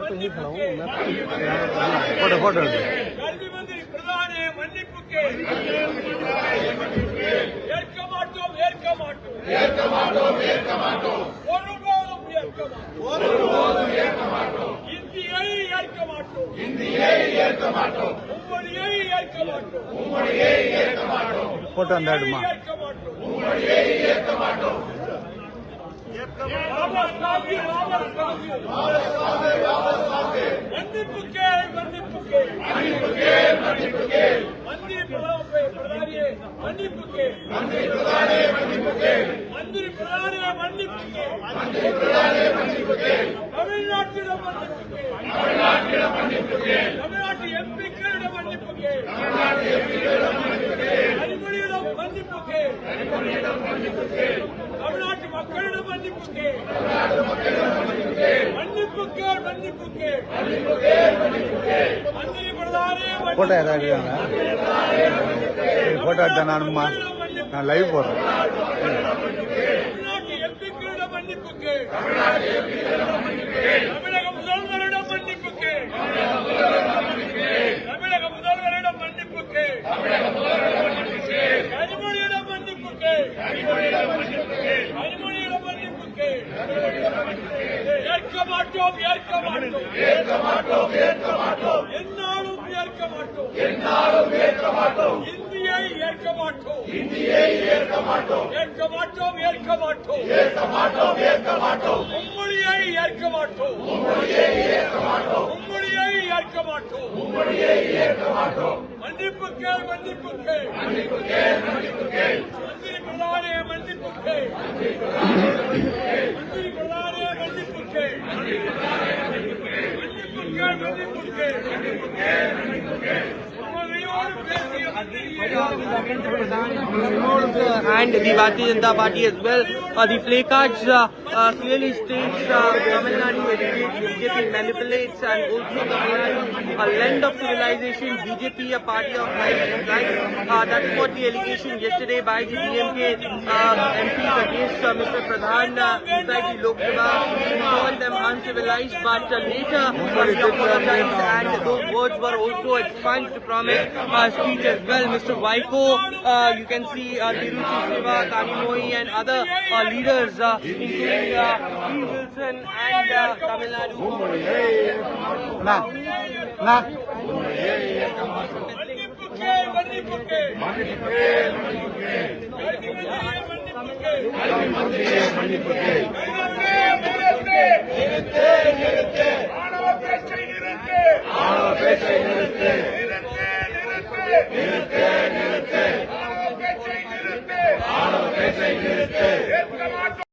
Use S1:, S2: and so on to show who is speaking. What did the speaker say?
S1: तो नहीं खड़ा हूँ मैं फोटो
S2: கல்வி மந்திரி பிரதானே மன்னிப்புக்கு ஏற்க மாட்டோம் ஒருபோதும் ஏற்க மாட்டோம் இந்தியை ஏற்க மாட்டோம் உம்மொழியை ஏற்க மாட்டோம்
S1: फोटो அந்த எடுமா
S2: ஏற்க மாட்டோம் மன்னிப்புக்கு மந்திரி பிரதானியே மன்னிப்புக்கு தமிழ்நாட்டிடம் மன்னிப்புக்கு தமிழ்நாட்டு எம்பிக்களிடம் மன்னிப்புக்கு கனிமொழியிடம் மன்னிப்புக்கு தமிழ்நாட்டு மக்களிடம் மன்னிப்புக்கு மந்திரி பிரதானே
S1: फोटो ஏதாவது फोटो எடுத்தா நான் லைவ் போடுறேன்
S2: தமிழ்நாட்டு எம்பிக்களிடம் மன்னிப்புக்கு தமிழக முதல்வரிடம் மன்னிப்புக்கு கனிமொழியிடம் மன்னிப்புக்கு ஏற்க மாட்டோம் என்னாலும் ஏற்க மாட்டோம் இந்தியை ஏற்க மாட்டோம் உம்மொழியை ஏற்க மாட்டோம் மன்னிப்புக்கு மந்திரி பிரதானே மன்னிப்புக்கு
S3: and the Bharatiya Janata Party as well. The placards clearly states Tamil Nadu educates, BJP manipulates, and also Tamil Nadu a land of civilization, BJP a party of right. That's what the allegation yesterday by the DMK MPs against Mr. Pradhan inside the Lok Sabha. He called them uncivilized, but later he apologized, and those words were also expunged from his speech as well. Mr. Vaiko, you can see Tiruchi Siva, Kanimoi, and other leaders, including P. Wilson and Tamil Nadu.
S2: மன்னிப்புக்கு